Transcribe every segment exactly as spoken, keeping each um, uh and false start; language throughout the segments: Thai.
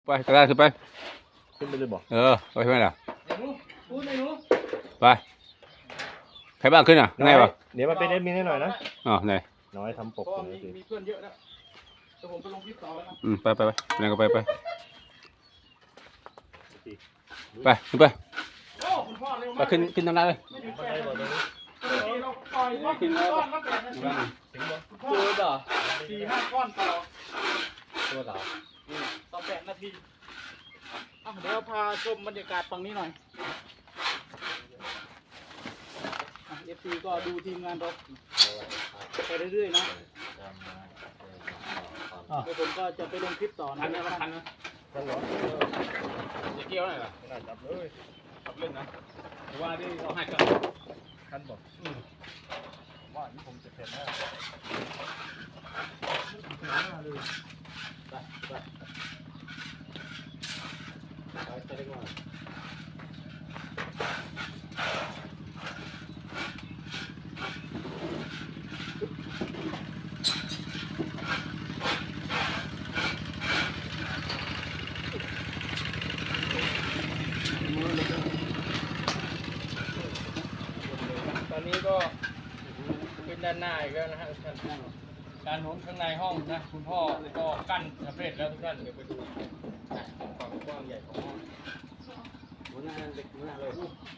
ไปกระดานขึ้นไปขึ้นไปเลยบอกเออไปไหมล่ะไอ้หนูพูดไอ้หนูไปใครบ้างขึ้นอ่ะไงวะเดี๋ยวมาเป็นเอดมินให้หน่อยนะอ๋อไหนน้อยทำปกก็เลยมีมีเพื่อนเยอะแล้วแต่ผมไปลงคลิปต่อแล้วนะอืมไปไปไปไหนก็ไปไปไปขึ้นไปโอ้คุณพ่อเร็วไปมากขึ้นขึ้นทางนั้นเลยไม่ถึงแปดนาทีเราปล่อยว่าขึ้นก้อนมาแปดนาทีคุณพ่อตัวต่อสี่ห้าก้อนต่อตัวต่อต่อแปดนาทีอ่ะเดี๋ยวพาชมบรรยากาศฝั่งนี้หน่อยเอฟซีก็ดูทีมงานเราไปเรื่อยๆนะเดี๋ยวผมก็จะไปลงคลิปต่อนะเนี่ยคันนะท่านหรอจะเกี่ยวอะไรล่ะไม่ได้จับเลยขับเล่นนะว่าที่เอาให้กันท่านบอกว่านี่ผมจะเสร็จแล้วไปไปไปจะได้ก่อนตอนนี้ก็ขึ้นด้านหน้าอีกแล้วนะฮะท่านการหนุนข้างในห้องนะคุณพ่อก็กั้นสำเร็จแล้วทุกท่านเดี๋ยวไปดูความกว้างใหญ่ของห้องหัวหน้าเล็กหัวหน้าเลย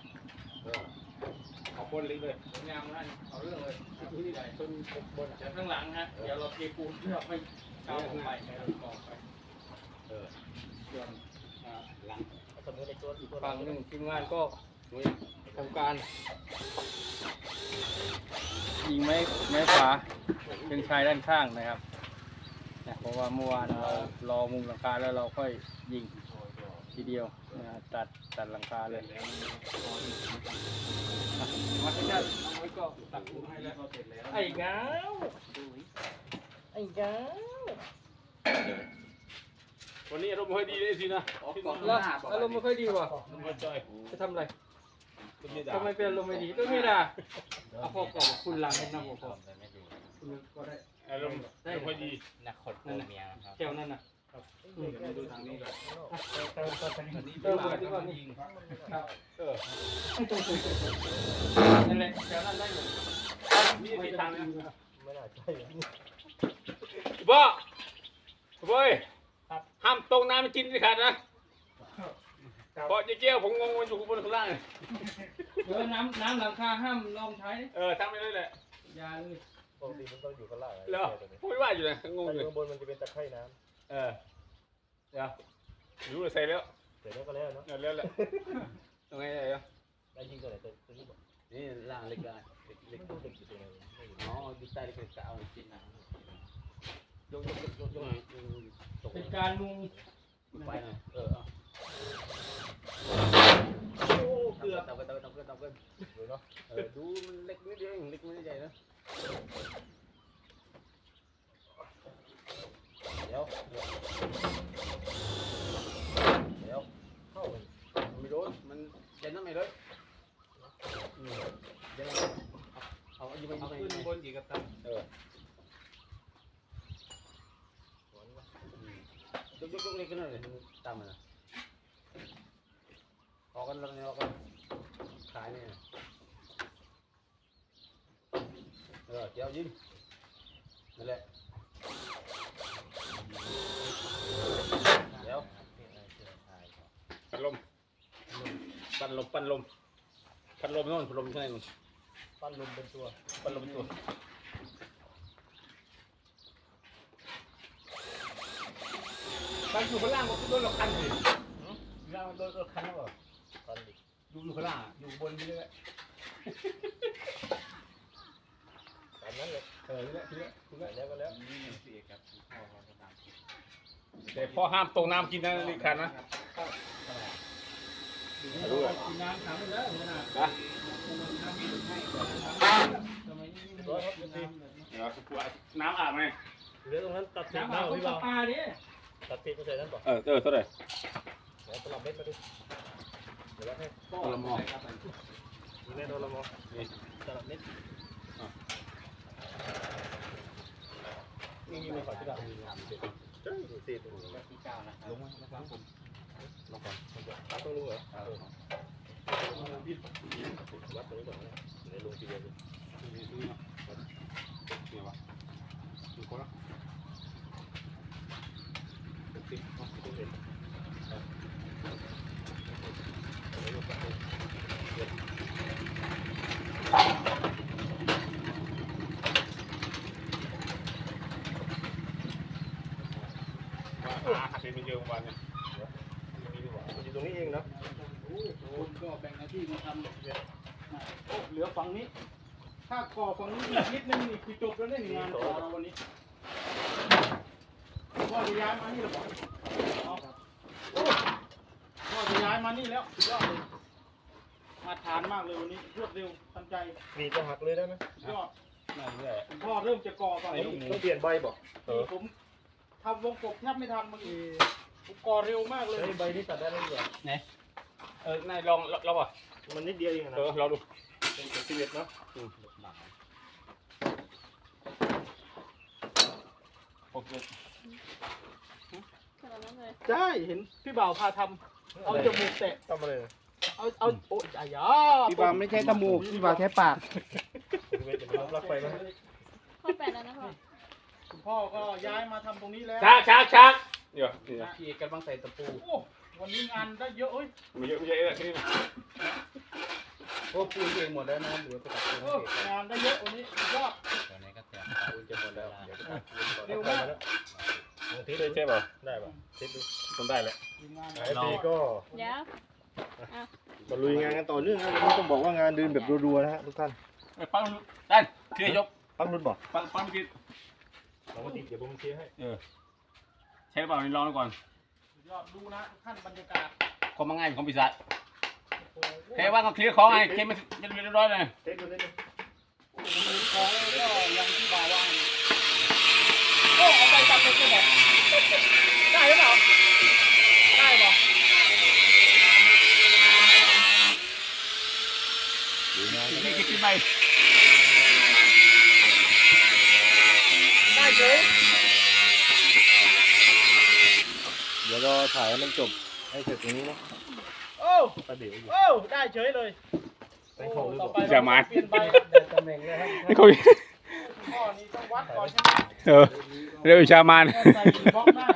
เอาบนเล็กเลยงามนั่นเอาเรื่องเลยที่ใหญ่ต้นบนจากข้างหลังฮะเดี๋ยวเราเทปูนเพื่อไม่ก้าวลงไปให้เรากองไปเออส่วนหลังฝั่งหนึ่งทีมงานก็ทำการยิงไม้ไม้ขวาเป็นชายด้านข้างนะครับนะเพราะว่าเมื่อวานเรารอมุมหลังคาแล้วเราค่อยยิงทีเดียวนะตัดตัดหลังคาเลยมาที่นั่นน้องไว้ก็ตัดมุมให้แล้วไอ้เงาไอ้เงาวันนี้อารมณ์ไม่ค่อยดีเลยสินะแล้วอารมณ์ไม่ค่อยดีว่ะจะทำอะไรทำไมเป็นอารมณ์ไม่ดีก็ไม่ได้เอาพอก่อนคุณหลังให้น้ำก่อนคุณก็ได้อารมณ์ไม่ค่อยดีนักขดนั่นนะแถวนั่นน่ะดูทางนี้ก่อนเออที่ก่อนนี่เออนั่นแหละแถวนั้นได้เลยนี่ทิศทางนี้ไม่น่าใช่บ่เว้ยห้ามตรงน้ำมันกินสิขาดนะเพราะเจ๊เกี้ยวผมงงมันอยู่บนข้างล่างเออน้ำน้ำหลังคาห้ามลองใช้เออทำไปเลยแหละยาเลยปกติมันต้องอยู่ข้างล่างเหรอพูดว่าอยู่นะงงอยู่ข้างบนมันจะเป็นตะไคร่น้ำเออเดี๋ยวรู้เลยใส่แล้วเสร็จแล้วก็แล้วเนาะแล้วแหละตรงไหนเลยได้ยิงตัวไหนตัวนี้บอกนี่ล่างเล็กได้เล็กดูเล็กอยู่ตรงไหนอ๋อดูใต้เล็กๆเอาจริงนะยกยกยกยกยกเป็นการมุงไปหน่อยเออโอ้เกือบตบกันตบกันตบกันตบกันดูเนาะเออดูมันเล็กนิดเดียวเล็กไม่ได้ใหญ่นะเดี๋ยวเดี๋ยวเข้าไม่โดนมันเย็นนั่นไม่เลยเดี๋ยวเอาอยู่ไปอยู่ไปขึ้นบนกี่กระตันเออยกยกยกเล็กกันหน่อยตามมันนะออกกันแล้วเนี่ยออกกันขายเนี่ยเออเจ้ายิงนั่นแหละเดี๋ยวปัดลมปัดลมปัดลมปัดลมโน่นปัดลมข้างในนู่นปั้นลมเป็นตัวปัดลมตัวไปอยู่ข้างล่างก็คือโดนเราคันสิล่างโดนเราคันแล้วเหรอปั้นดิอยู่อยู่ข้างล่างอยู่บนไปเรื่อยตามนั้นเลยเออนี่แหละทีนี้ทีนี้แล้วก็แล้วแต่พ่อห้ามตรงน้ำกินนะลิคันนะดูกินน้ำถามไปแล้วขนาดนะร้อยครับพี่เดี๋ยวน้ำอาบไหมเหลือตรงนั้นตัดทิ้งน้ำอาเอาบพี่ปบ่าวลาดิตัดทิ้งก็ใส่นั้นก่อนเออเออเท่าไหร่เดี๋ยวตลับเม็ดมาดิเดี๋ยวแล้วให้ตละมอมีแม่ตลับมอนี่ตลับเม็ดนี่มีมาฝากที่ดาวสี่ที่เก้านะครับลงมาครับผมลงก่อนตั้งต้องรู้เหรอวัดตรงนี้ก่อนนะในลงทีเดียวเลยเนี่ยวะดูคนละสิบต้องเห็นว่าหาเป็นเยอะวันเนี่ยมันอยู่ตรงนี้เองเนาะคุณก็แบ่งหน้าที่มาทำเนี่ยโอ้เหลือฝั่งนี้ ถ้าก่อฝั่งนี้อีกนิดนึงนี่คือจบแล้วได้งานต่อเราวันนี้พ่อจะย้ายมานี่หรือเปล่าเอาโอ้พ่อจะย้ายมานี่แล้วสุดยอดเลยมาทานมากเลยวันนี้รวดเร็วทันใจมีก็หักเลยได้ไหมสุดยอดนั่นแหละพ่อเริ่มจะก่อฝั่งนี้ต้องเปลี่ยนใบบอกเออผมทำวงกบแทบไม่ทันเมื่อกี้ผมก่อเร็วมากเลยใบนี้ตัดได้แล้วเหรอเออนายลองลองป่ะมันนิดเดียวเองนะเออลองดูเป็นสิบเอ็ดเนาะโอเคขนาดนั้นเลยใช่เห็นพี่บ่าวพาทำเอาจมูกแตะทำอะไรเอาเอาโอ้ยอายาพี่บาไม่ใช่จมูกพี่บาแค่ปากสิบเอ็ดจะเป็นปลั๊กไฟไหมข้อแปดแล้วนะพ่อคุณพ่อก็ย้ายมาทำตรงนี้แล้วช้างช้างช้างเดี๋ยวนี่นะพี่กำลังใส่ตะปูโอ้วันนี้งานได้เยอะเอ้ยไม่เยอะไม่เยอะแค่นี้นะโอ้ปูนเองหมดแล้วนะเหลือแต่ตะปูโอ้งานได้เยอะวันนี้สุดยอดตอนนี้ก็เตรียมปูนจะหมดแล้วเดี๋ยวจะเร็วมากลองทิศใช่ป่ะได้ป่ะทิศดูต้องได้แหละทีมงานไอพีก็เดี๋ยวมาลุยงานกันต่อเนื่องนะวันนี้ต้องบอกว่างานเดินแบบรัวๆนะฮะทุกท่านไอ้ปังด้านเคลียร์ยกปั้งรุ่นบอกปังปังเมื่อกี้ลองมาติดเดี๋ยวผมเคลียร์ให้เออใช่เปล่านี่ลองดูก่อนสุดยอดดูนะทุกท่านบรรยากาศของมันง่ายของปีศาจโอ้โหแค่ว่าก็เคลียร์ของไงเคลียร์มันมันเรียบร้อยเลยเทคดูนิดนึงมือของก็ยังที่บ่าวว่าโอ้เอาไปตัดไปเลยได้หรือเปล่าได้ป่ะนี่คิดที่ไม่ได้เฉยเดี๋ยวเราถ่ายให้มันจบให้เสร็จตรงนี้นะโอ้ประเดี๋ยวอยู่โอ้ได้เฉยเลยไปของดูต่อก่ไปอนเราเปลี่ยนใบตำแหน่งเลยครับไม่คุยพ่อนี่ต้องวัดก่อนใช่ไหมเออเรียกวิชามานใส่บล็อกหน้า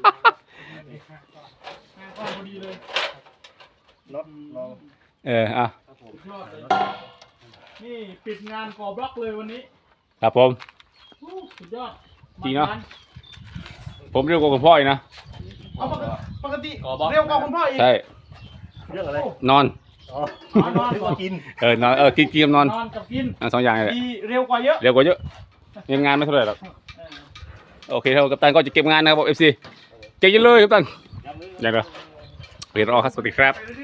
หน้าก็พอดีเลยน็อตลองเอออ่ะสุดยอดเลยนี่ปิดงานก่อบล็อกเลยวันนี้ครับผมอู้สุดยอดจริงเนอะ ผมเรียกว่าคุณพ่ออีกนะเอาปกติปกติเร็วกว่าคุณพ่ออีกใช่เรื่องอะไรนอนอ๋ออ๋อนอนนึกก่อนว่ากินเออนอนเออกินกินกับนอนนอนกับกินอ่ะสองอย่างเลยแหละดีเร็วกว่าเยอะเร็วกว่าเยอะยังงานไม่เท่าไหร่หรอกเออโอเคครับกัปตันก็จะเก็บงานนะครับผมเอฟซีเก่งจังเลยกัปตันย้ำเลยอย่างเดียวเรียนรอครับสวัสดีครับ